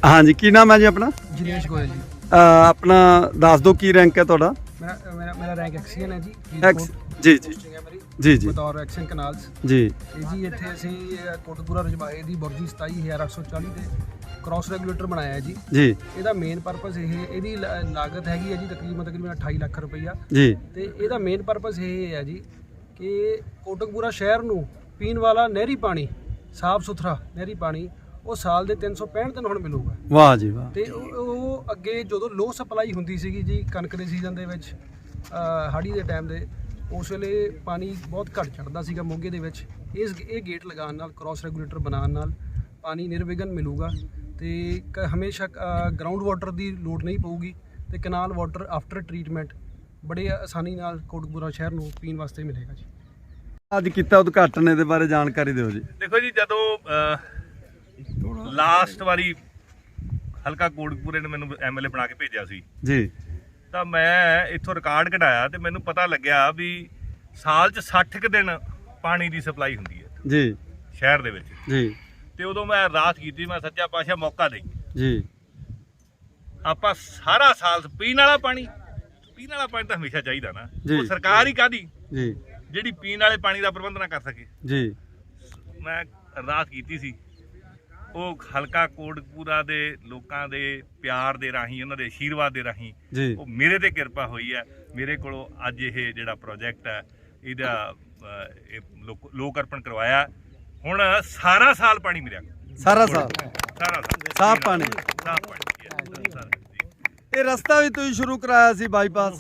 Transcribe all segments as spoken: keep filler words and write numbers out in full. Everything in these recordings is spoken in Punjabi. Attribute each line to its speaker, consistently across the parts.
Speaker 1: हाँ जी, की नाम है जी अपना?
Speaker 2: जिनेश गोयल जी।
Speaker 1: अ, अपना दस दो की रैंक है थोड़ा?
Speaker 2: मेरा मेरा मेरा रैंक एक्सीएन है जी।
Speaker 1: एक्स जी जी
Speaker 2: पोस्टिंग है मेरी
Speaker 1: जी जी
Speaker 2: ਬਤੌਰ ਐਕਸ਼ਨ ਕਨਾਲਸ
Speaker 1: जी
Speaker 2: ਤੇ ਜੀ ਇੱਥੇ ਅਸੀਂ ਅ, ਕੋਟਕਪੂਰਾ ਰਜਬਾਹੇ ਦੀ ਬੁਰਜੀ ਸਤਾਈ ਹਜ਼ਾਰ ਅੱਠ ਸੌ ਚਾਲੀ ਤੇ ਕ੍ਰਾਸ ਰੈਗੂਲੇਟਰ ਬਣਾਇਆ ਹੈ ਜੀ।
Speaker 1: जी
Speaker 2: ਇਹਦਾ ਮੇਨ ਪਰਪਸ ਇਹ ਇਹਦੀ ਲ- ਲਾਗਤ ਹੈਗੀ ਹੈ ਜੀ ਤਕਰੀਬਨ ਤਕਰੀਬਨ ਅਠਾਈ ਲੱਖ ਰੁਪਈਆ
Speaker 1: जी
Speaker 2: ਤੇ ਇਹਦਾ ਮੇਨ ਪਰਪਸ ਇਹ ਹੈ ਜੀ ਕਿ ਕੋਟਕਪੂਰਾ ਸ਼ਹਿਰ ਨੂੰ ਪੀਣ ਵਾਲਾ ਨਹਿਰੀ ਪਾਣੀ ਸਾਫ਼ ਸੁਥਰਾ ਨਹਿਰੀ ਪਾਣੀ ਉਹ ਸਾਲ ਦੇ ਤਿੰਨ ਸੌ ਪੈਂਹਠ ਦਿਨ ਹੁਣ ਮਿਲੂਗਾ।
Speaker 1: वाह जी वाह
Speaker 2: ਤੇ ਉਹ ਉਹ ਅੱਗੇ ਜਦੋਂ ਲੋ ਸਪਲਾਈ ਹੁੰਦੀ ਸੀਗੀ ਜੀ ਕਣਕ ਦੇ ਸੀਜ਼ਨ ਦੇ ਵਿੱਚ ਅ, ਹਾੜੀ ਦੇ ਟਾਈਮ ਦੇ ਉਸ ਵੇਲੇ ਪਾਣੀ ਬਹੁਤ ਘੱਟ ਚੜਦਾ ਸੀਗਾ ਮੋਗੇ ਦੇ ਵਿੱਚ। ਇਸ ਇਹ ਗੇਟ ਲਗਾਉਣ ਨਾਲ ਕ੍ਰਾਸ ਰੈਗੂਲੇਟਰ ਬਣਾਉਣ ਨਾਲ ਪਾਣੀ ਨਿਰਵਿਘਨ ਮਿਲੂਗਾ ਤੇ ਕ- ਹਮੇਸ਼ਾ ਗਰਾਊਂਡ ਵਾਟਰ ਦੀ ਲੋੜ ਨਹੀਂ ਪਊਗੀ ਤੇ ਕਨਾਲ ਵਾਟਰ ਆਫਟਰ ਟਰੀਟਮੈਂਟ ਬੜੇ ਆਸਾਨੀ ਨਾਲ ਕੋਟਕਪੂਰਾ ਸ਼ਹਿਰ ਨੂੰ ਪੀਣ ਵਾਸਤੇ ਮਿਲੇਗਾ ਜੀ।
Speaker 1: ਅੱਜ ਕੀਤਾ ਉਦਘਾਟਨ ਇਹਦੇ ਬਾਰੇ ਜਾਣਕਾਰੀ ਦਿਓ ਜੀ।
Speaker 3: ਦੇਖੋ ਜੀ, ਜਦੋਂ ਲਾਸਟ ਵਾਰੀ ਹਲਕਾ ਕੋਟਕਪੂਰੇ ਨੇ ਮੈਨੂੰ ਐਮਐਲਏ ਬਣਾ ਕੇ ਭੇਜਿਆ ਸੀ
Speaker 1: ਜੀ
Speaker 3: ਤਾਂ ਮੈਂ ਇੱਥੋਂ ਰਿਕਾਰਡ ਕਢਾਇਆ ਤੇ ਮੈਨੂੰ ਪਤਾ ਲੱਗਿਆ ਵੀ ਸਾਲ 'ਚ ਸੱਠ ਕੁ ਦਿਨ ਪਾਣੀ ਦੀ ਸਪਲਾਈ ਹੁੰਦੀ ਹੈ
Speaker 1: ਜੀ
Speaker 3: ਸ਼ਹਿਰ ਦੇ ਵਿੱਚ।
Speaker 1: ਜੀ
Speaker 3: ਤੇ ਉਦੋਂ ਮੈਂ ਅਰਦਾਸ ਕੀਤੀ, ਮੈਂ ਸੱਚਾ ਪਾਤਸ਼ਾਹ ਮੌਕਾ ਦੇ
Speaker 1: ਜੀ
Speaker 3: ਆਪਾਂ ਸਾਰਾ ਸਾਲ ਪੀਣ ਵਾਲਾ ਪਾਣੀ ਪੀਣ ਵਾਲਾ ਪਾਣੀ ਤਾਂ ਹਮੇਸ਼ਾ ਚਾਹੀਦਾ ਨਾ।
Speaker 1: ਜੀ।
Speaker 3: ਉਹ ਸਰਕਾਰ ਹੀ ਕਾਹਦੀ
Speaker 1: ਜੀ
Speaker 3: ਜਿਹੜੀ ਪੀਣ ਵਾਲੇ ਪਾਣੀ ਦਾ ਪ੍ਰਬੰਧ ਨਾ ਕਰ ਸਕੇ।
Speaker 1: ਜੀ
Speaker 3: ਮੈਂ ਅਰਦਾਸ ਕੀਤੀ ਸੀ, ਉਹ ਹਲਕਾ ਕੋਟਕਪੂਰਾ ਦੇ ਲੋਕਾਂ ਦੇ ਪਿਆਰ ਦੇ ਰਾਹੀਂ, ਉਹਨਾਂ ਦੇ ਆਸ਼ੀਰਵਾਦ ਦੇ ਰਾਹੀਂ
Speaker 1: ਜੀ
Speaker 3: ਉਹ ਮੇਰੇ ਤੇ ਕਿਰਪਾ ਹੋਈ ਹੈ। ਮੇਰੇ ਕੋਲੋਂ ਅੱਜ ਇਹ ਜਿਹੜਾ ਪ੍ਰੋਜੈਕਟ ਹੈ ਇਹਦਾ ਅ, ਇਹ ਲੋਕ ਲੋਕ ਅਰਪਣ ਕਰਵਾਇਆ। ਹੁਣ ਸਾਰਾ ਸਾਲ ਪਾਣੀ ਮਿਲਿਆ,
Speaker 1: ਸਾਰਾ ਸਾਲ
Speaker 3: ਸਾਰਾ ਸਾਲ
Speaker 1: ਸਾਫ਼ ਪਾਣੀ।
Speaker 3: ਸਾਫ਼ ਪਾਣੀ ਹੈ, ਸਾਰਾ ਜੀ।
Speaker 1: ਇਹ ਰਸਤਾ ਵੀ ਤੁਸੀਂ ਸ਼ੁਰੂ ਕਰਾਇਆ ਸੀ ਬਾਈਪਾਸ।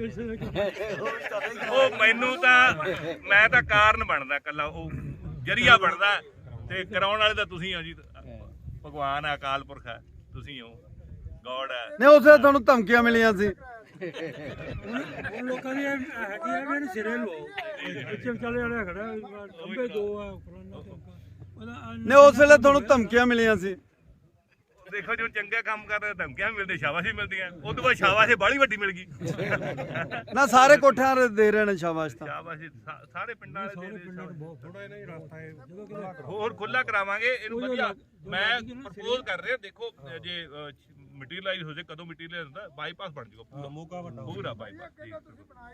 Speaker 3: ਉਹ ਮੈਨੂੰ ਤਾਂ ਮੈਂ ਤਾਂ ਕਾਰਨ ਬਣਦਾ, ਕੱਲਾ ਉਹ ਜਰੀਆ ਬਣਦਾ ਤੇ ਕਰਾਉਣ ਵਾਲੇ ਤਾਂ ਤੁਸੀਂ ਹੋ ਜੀ। ਭਗਵਾਨ ਹੈ, ਅਕਾਲ ਪੁਰਖ ਹੈ, ਤੁਸੀਂ ਹੋ, ਗੋਡ ਹੈ।
Speaker 1: ਨਹੀਂ ਉਸੇ ਤੁਹਾਨੂੰ ਧਮਕੀਆਂ ਮਿਲੀਆਂ ਸੀ।
Speaker 4: ਹੁਣ ਲੋਕਾਂ ਦੀ ਹੈਗੀ ਆ ਵੀ ਇਹਨੂੰ ਸਿਰੇ ਲਓ ਪਿੱਛੇ ਵਿਚਾਲੇ ਵਾਲਾ ਖੜਾ ਅੰਬੇ ਦੋ ਆ
Speaker 1: ਨਹੀਂ ਉਸ ਵੇਲੇ ਤੁਹਾਨੂੰ ਧਮਕੀਆਂ ਮਿਲੀਆਂ ਸੀ।
Speaker 3: ਦੇਖੋ ਜੋ ਚੰਗੇ ਕੰਮ ਕਰਦੇ ਧਮਕੀਆਂ ਵੀ ਮਿਲਦੇ, ਸ਼ਾਬਾਸ਼ੀ ਮਿਲਦੀਆਂ। ਉਹ ਤੋਂ ਬਾਅਦ ਸ਼ਾਬਾਸ਼ੀ ਬਾਹਲੀ ਵੱਡੀ ਮਿਲ ਗਈ।
Speaker 1: ਨਾ ਸਾਰੇ ਕੋਠਿਆਂ ਦੇ ਦੇ ਰਹੇ ਨੇ ਸ਼ਾਬਾਸ਼ ਤਾਂ।
Speaker 3: ਸ਼ਾਬਾਸ਼ੀ ਸਾ- ਸਾਰੇ ਪਿੰਡਾਂ ਵਾਲੇ ਦੇ ਦੇ
Speaker 4: ਬਹੁਤ ਥੋੜਾ ਇਹਨਾਂ ਹੀ ਰਸਤਾ ਹੈ ਜਦੋਂ ਕਿ
Speaker 3: ਹੋਰ ਖੁੱਲਾ ਕਰਾਵਾਂਗੇ ਇਹਨੂੰ ਵਧੀਆ। ਮੈਂ ਪ੍ਰਪੋਜ਼ ਕਰ ਰਿਹਾ, ਦੇਖੋ ਜੇ ਮਟੀਰੀਅਲਾਈਜ਼ ਹੋ ਜਾਏ, ਕਦੋਂ ਮਟੀਰੀਅਲ ਹੁੰਦਾ ਬਾਈਪਾਸ ਬਣ ਜਾਊਗਾ ਪੂਰਾ
Speaker 4: ਮੌਕਾ ਵੱਡਾ
Speaker 3: ਪੂਰਾ ਬਾਈਪਾਸ।